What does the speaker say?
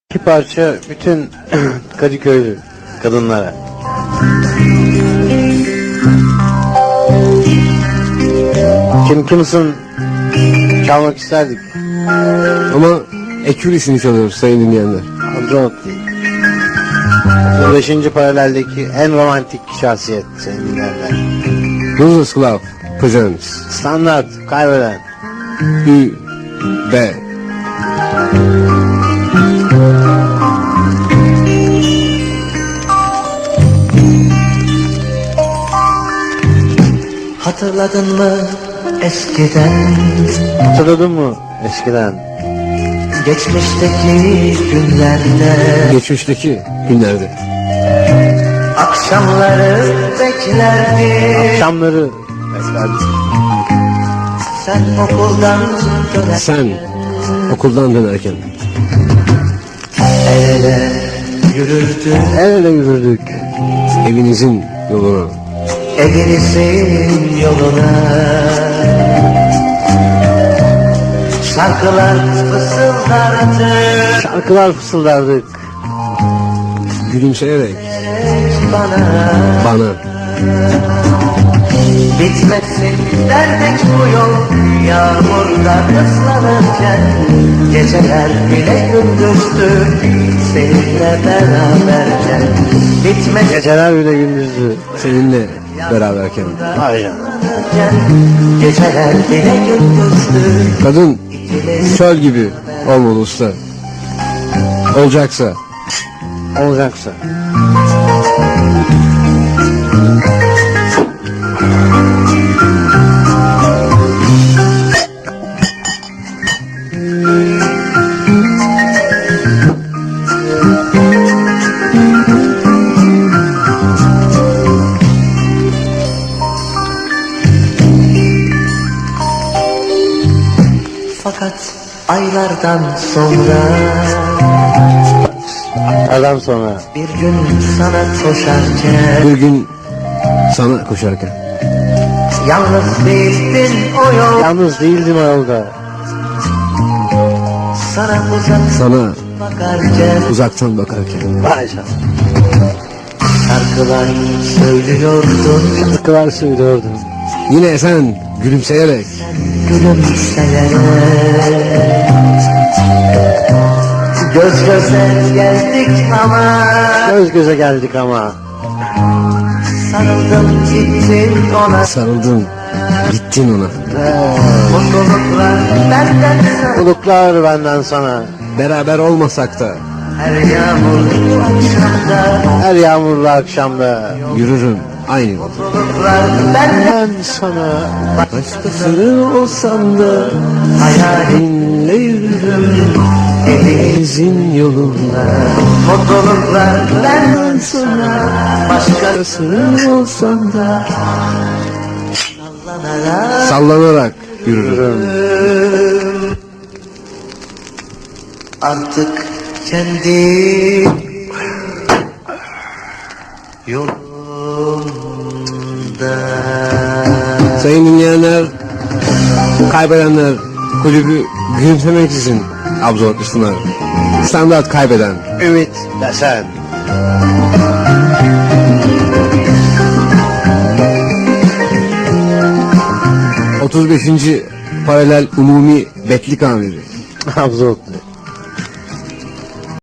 İki parça bütün Kadıköylü kadınlara. Kimsin çalmak isterdik. Ama ekürisini çalıyoruz sayın dinleyenler. Andronot değil. 5. paraleldeki en romantik şahsiyet sayın dinleyenler. Losers Club presents Standart kaybeden. Ü B. Hatırladın mı eskiden, Hatırladın mı eskiden? geçmişteki günlerde, Geçmişteki günlerde akşamları beklerdik. Akşamları beklerdik. Sen okuldan dönerken, sen okuldan dönerken el ele yürürdük, El ele yürürdük. evinizin yoluna, evinizin yoluna. Şarkılar fısıldardık Şarkılar fısıldardık. gülümseyerek bana. bana Bitmesin derdik bu yol, yağmurda ıslanırken. Geceler bile gündüzdü seninle beraberken. Bitmesin Geceler bile gündüzdü. seninle beraberken. Vay canına. geceler bile gündüzdü. Kadın çöl gibi olmalı usta. Olacaksa Olacaksa. Fakat aylardan sonra Adam sonra. bir gün sana koşarken, bir gün sana koşarken yalnız değildin o yol. Yalnız değildim o yolda. Sana uzak sana bakarken, uzaktan bakarken Vay canına. şarkılar söylüyordun. Şarkılar söylüyordun. yine sen gülümseyerek Gülümseyerek göz göze geldik ama Göz göze geldik ama. sarıldım gittin ona. sarıldın gittin ona. Mutluluklar benden sana, Mutluluklar benden sana. Beraber olmasak da her yağmurlu akşamda. Her yağmurlu akşamda. yürürüm aynı yolda. Mutluluklar benden Ben sana. Başkasının olsam da hayalimle yürürüm. evinizin yolunda. Mutluluklar benden sana, Başkasının olsam da başkasına sallanarak yürürüm. artık kendi yolumda. Sayın dinleyenler, kaybedenler kulübü gülümsemeksizin absorbe sunar. Standart kaybeden. Ümit Desen. ...35. paralel umumi betlik amiri. Abzortlu.